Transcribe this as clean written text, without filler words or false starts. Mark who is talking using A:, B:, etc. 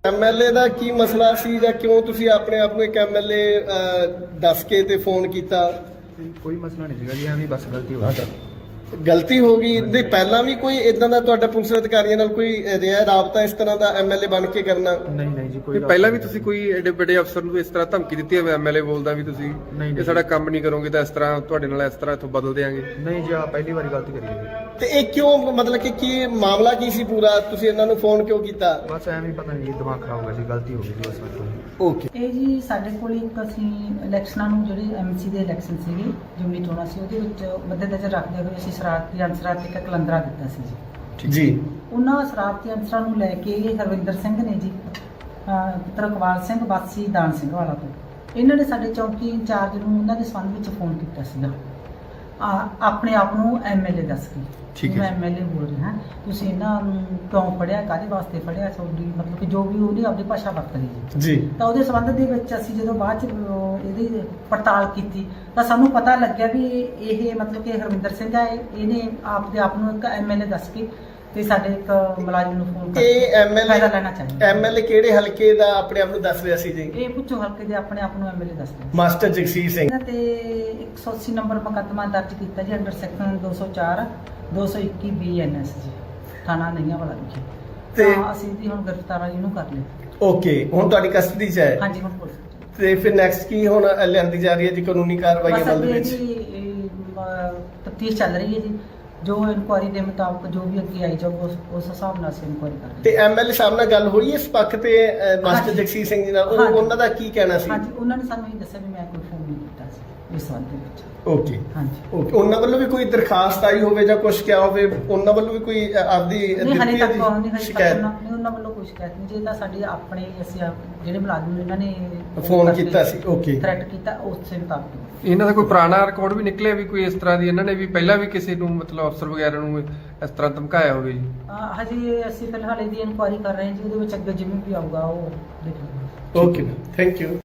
A: MLA ਦਾ ਕੀ ਮਸਲਾ ਸੀ ਜਾਂ ਕਿਉਂ ਤੁਸੀਂ ਆਪਣੇ ਆਪ ਨੂੰ ਇੱਕ ਐਮਐਲਏ ਦੱਸ ਕੇ ਤੇ ਫੋਨ ਕੀਤਾ?
B: ਕੋਈ ਮਸਲਾ ਨਹੀਂ ਸੀਗਾ ਜੀ, ਐਵੇਂ ਬਸ ਗਲਤੀ ਹੋ ਗਈ।
A: ਗਲਤੀ ਹੋ ਗਈ ਇਹਦੇ ਪਹਿਲਾਂ ਵੀ ਕੋਈ ਇਦਾਂ ਦਾ ਤੁਹਾਡਾ ਪੁਲਿਸ ਅਧਿਕਾਰੀਆਂ ਨਾਲ ਕੋਈ ਰਿਹਾ ਰਾਬਤਾ ਇਸ ਤਰ੍ਹਾਂ ਦਾ ਐਮਐਲਏ ਬਣ ਕੇ ਕਰਨਾ?
B: ਨਹੀਂ ਜੀ, ਕੋਈ
C: ਪਹਿਲਾਂ ਵੀ ਤੁਸੀਂ ਕੋਈ ਐਡੇ ਵੱਡੇ ਅਫਸਰ ਨੂੰ ਇਸ ਤਰ੍ਹਾਂ ਧਮਕੀ ਦਿੱਤੀ ਹੈ? ਐਮਐਲਏ ਬੋਲਦਾ ਵੀ ਤੁਸੀਂ ਇਹ ਸਾਡਾ ਕੰਮ ਨਹੀਂ ਕਰੋਗੇ ਤਾਂ ਇਸ ਤਰ੍ਹਾਂ ਤੁਹਾਡੇ ਨਾਲ ਇਸ ਤਰ੍ਹਾਂ ਇੱਥੋਂ ਬਦਲ ਦੇਾਂਗੇ।
B: ਨਹੀਂ ਜੀ, ਆ ਪਹਿਲੀ ਵਾਰੀ ਗਲਤੀ ਕਰੀ ਹੈ ਜੀ।
A: ਤੇ ਇਹ ਕਿਉਂ, ਮਤਲਬ ਕਿ ਕੀ ਮਾਮਲਾ ਕੀ ਸੀ ਪੂਰਾ? ਤੁਸੀਂ ਇਹਨਾਂ ਨੂੰ ਫੋਨ ਕਿਉਂ ਕੀਤਾ?
B: ਬਸ ਐਵੇਂ ਪਤਾ ਨਹੀਂ, ਦਿਮਾਗ ਖਰਾਬ ਹੋ ਗਿਆ ਸੀ, ਗਲਤੀ ਹੋ ਗਈ ਜੀ ਬਸ ਮੇਰੇ ਤੋਂ।
A: ਓਕੇ।
D: ਇਹ ਜੀ ਸਾਡੇ ਕੋਲ ਇੱਕ ਅਸੀਂ ਇਲੈਕਸ਼ਨਾਂ ਨੂੰ ਜਿਹੜੇ ਐਮਸੀ ਦੇ ਇਲੈਕਸ਼ਨ ਸੀਗੇ, ਜਿਮਨੀ ਚੋਣਾਂ ਸੀ, ਉਹਦੇ ਵਿੱਚ ਮੱਦੇਨਜ਼ਰ ਰੱਖਦੇ ਹੋਏ ਅਸੀਂ ਸ਼ਰਾਰਤੀ ਅਨਸਰਾਂ ਤੇ ਇੱਕ ਕਲੰਦਰਾ ਦਿੱਤਾ ਸੀ
A: ਜੀ।
D: ਉਹਨਾਂ ਸ਼ਰਾਰਤੀ ਅਨਸਰਾਂ ਨੂੰ ਲੈ ਕੇ ਇਹ ਹਰਵਿੰਦਰ ਸਿੰਘ ਨੇ ਜੀ, ਪੁੱਤਰ ਇਕਬਾਲ ਸਿੰਘ ਵਾਸੀ ਦਾਨ ਸਿੰਘ ਵਾਲਾ ਤੋਂ, ਇਹਨਾਂ ਨੇ ਸਾਡੇ ਚੌਕੀ ਇੰਚਾਰਜ ਨੂੰ ਉਹਨਾਂ ਦੇ ਸੰਬੰਧ ਵਿੱਚ ਫੋਨ ਕੀਤਾ ਸੀਗਾ, ਆਪਣੇ ਆਪ ਨੂੰ ਐਮਐਲਏ ਦੱਸ ਕੇ। ਮੈਂ ਐਮਐਲਏ ਬੋਲ ਰਿਹਾ, ਤੁਸੀਂ ਇਹਨਾਂ ਨੂੰ ਕਿਉਂ ਫੜਿਆ, ਕਾਹਦੇ ਵਾਸਤੇ ਫੜਿਆ, ਤੁਹਾਡੀ ਮਤਲਬ ਕਿ ਜੋ ਵੀ ਉਹਨੇ ਆਪਣੀ ਭਾਸ਼ਾ ਵਰਤਦੀ ਜੀ। ਤਾਂ ਉਹਦੇ ਸੰਬੰਧ ਦੇ ਵਿੱਚ ਅਸੀਂ ਜਦੋਂ ਬਾਅਦ ਚ ਇਹਦੀ ਪੜਤਾਲ ਕੀਤੀ ਤਾਂ ਸਾਨੂੰ ਪਤਾ ਲੱਗਿਆ ਵੀ ਇਹ ਮਤਲਬ ਕਿ ਹਰਵਿੰਦਰ ਸਿੰਘ ਹੈ, ਇਹਨੇ ਆਪਦੇ ਆਪ ਨੂੰ ਇੱਕ ਐਮਐਲਏ ਦੱਸ ਕੇ ਤੇ ਸਾਡੇ ਇੱਕ ਮੁਲਾਜ਼ਮ ਨੂੰ ਫੋਨ ਕਰਕੇ ਫਾਇਦਾ ਲੈਣਾ ਚਾਹੀਦਾ।
A: ਐਮਐਲਏ ਕਿਹੜੇ ਹਲਕੇ ਦਾ ਆਪਣੇ ਆਪ ਨੂੰ ਦੱਸ ਰਿਹਾ ਸੀ ਜੀ?
D: ਇਹ ਪੁੱਛੋ ਹਲਕੇ ਦੇ ਆਪਣੇ ਆਪ ਨੂੰ ਐਮਐਲਏ ਦੱਸਦੇ
A: ਮਾਸਟਰ ਜਗਸੀਰ ਸਿੰਘ।
D: ਇਹਨਾਂ ਤੇ 180 ਨੰਬਰ ਮੁਕੱਦਮਾ ਦਰਜ ਕੀਤਾ ਜੀ, ਅੰਡਰ ਸੈਕਸ਼ਨ 204 221 BNS ਜੀ, ਥਾਣਾ ਨਈਆਂ ਵਾਲਾ ਵਿਖੇ।
A: ਤੇ
D: ਅਸੀਂ ਵੀ ਹੁਣ ਗ੍ਰਿਫਤਾਰੀ ਨੂੰ ਕਰ ਲਿਆ।
A: ਓਕੇ, ਹੁਣ ਤੁਹਾਡੀ ਕਸਟਡੀ 'ਚ ਹੈ?
D: ਹਾਂਜੀ, ਹੁਣ ਪੁਲਿਸ।
A: ਤੇ ਫਿਰ ਨੈਕਸਟ ਕੀ ਹੁਣ ਲਿਆਂਦੀ ਜਾ ਰਹੀ ਹੈ ਜੀ ਕਾਨੂੰਨੀ ਕਾਰਵਾਈ ਅਮਲ ਦੇ ਵਿੱਚ?
D: ਤਫਤੀਸ਼ ਚੱਲ ਰਹੀ ਹੈ ਜੀ, ਜੋ ਇਨਕੁਆਇਰੀ ਦੇ ਮੁਤਾਬਕ ਜੋ ਵੀ ਅੱਗੇ ਆਈ ਜਾਊ ਉਸ ਹਿਸਾਬ ਨਾਲ ਅਸੀਂ ਇਨਕੁਆਇਰੀ ਕਰਾਂਗੇ।
A: ਤੇ ਐਮਐਲਏ ਸਾਹਿਬ ਨਾਲ ਗੱਲ ਹੋਈ ਇਸ ਪੱਖ ਤੇ ਮਾਸਟਰ ਜਗਸੀਰ ਸਿੰਘ ਜੀ ਨਾਲ? ਉਹਨਾਂ ਦਾ ਕੀ ਕਹਿਣਾ ਸੀ?
D: ਹਾਂਜੀ, ਉਹਨਾਂ ਨੇ ਸਾਨੂੰ ਇਹ ਦੱਸਿਆ ਵੀ ਮੈਂ ਕੋਈ ਫੋਨ ਨਹੀਂ ਕੀਤਾ ਸੀ ਇਸ ਸੰਬੰਧ ਦੇ ਵਿੱਚ।
A: ਓਕੇ।
D: ਹਾਂਜੀ,
A: ਓਕੇ। ਉਹਨਾਂ ਵੱਲੋਂ ਵੀ ਕੋਈ ਦਰਖਾਸਤ ਆਈ ਹੋਵੇ ਜਾਂ ਕੁਝ ਕਿਹਾ ਹੋਵੇ? ਉਹਨਾਂ ਵੱਲੋਂ ਵੀ ਕੋਈ ਆਪਦੀ
D: ਨਹੀਂ, ਹਲੇ ਤੱਕ
A: ਸ਼ਿਕਾਇਤ?
D: ਨਹੀਂ, ਉਹਨਾਂ ਵੱਲੋਂ ਕੋਈ ਸ਼ਿਕਾਇਤ ਨਹੀਂ। ਜੇ ਤਾਂ ਸਾਡੇ ਆਪਣੇ ਅਸੀਂ ਜਿਹੜੇ ਮੁਲਾਜ਼ਮ ਨੇ ਇਹਨਾਂ ਨੇ
A: ਫੋਨ ਕੀਤਾ ਸੀ। ਓਕੇ।
D: ਥ੍ਰੈਟ ਕੀਤਾ, ਉਸੇ ਮੁਤਾਬਕ।
C: ਇਹਨਾਂ ਦਾ ਕੋਈ ਪੁਰਾਣਾ ਰਿਕਾਰਡ ਵੀ ਨਿਕਲਿਆ ਵੀ ਕੋਈ ਇਸ ਤਰ੍ਹਾਂ ਦੀ ਇਹਨਾਂ ਨੇ ਵੀ ਪਹਿਲਾਂ ਵੀ ਕਿਸੇ ਨੂੰ ਮਤਲਬ ਅਫਸਰ ਵਗੈਰਾ ਨੂੰ ਇਸ ਤਰ੍ਹਾਂ ਧਮਕਾਇਆ ਹੋਵੇ ਜੀ?
D: ਹਜੇ ਅਸੀਂ ਫਿਲਹਾਲ ਇਹਦੀ ਇਨਕੁਆਇਰੀ ਕਰ ਰਹੇ ਹਾਂ ਜੀ, ਉਹਦੇ ਵਿੱਚ ਅੱਗੇ ਜਿਵੇਂ ਵੀ ਆਊਗਾ ਉਹ ਦੇਖ ਲਵਾਂਗੇ।
A: Okay, thank you.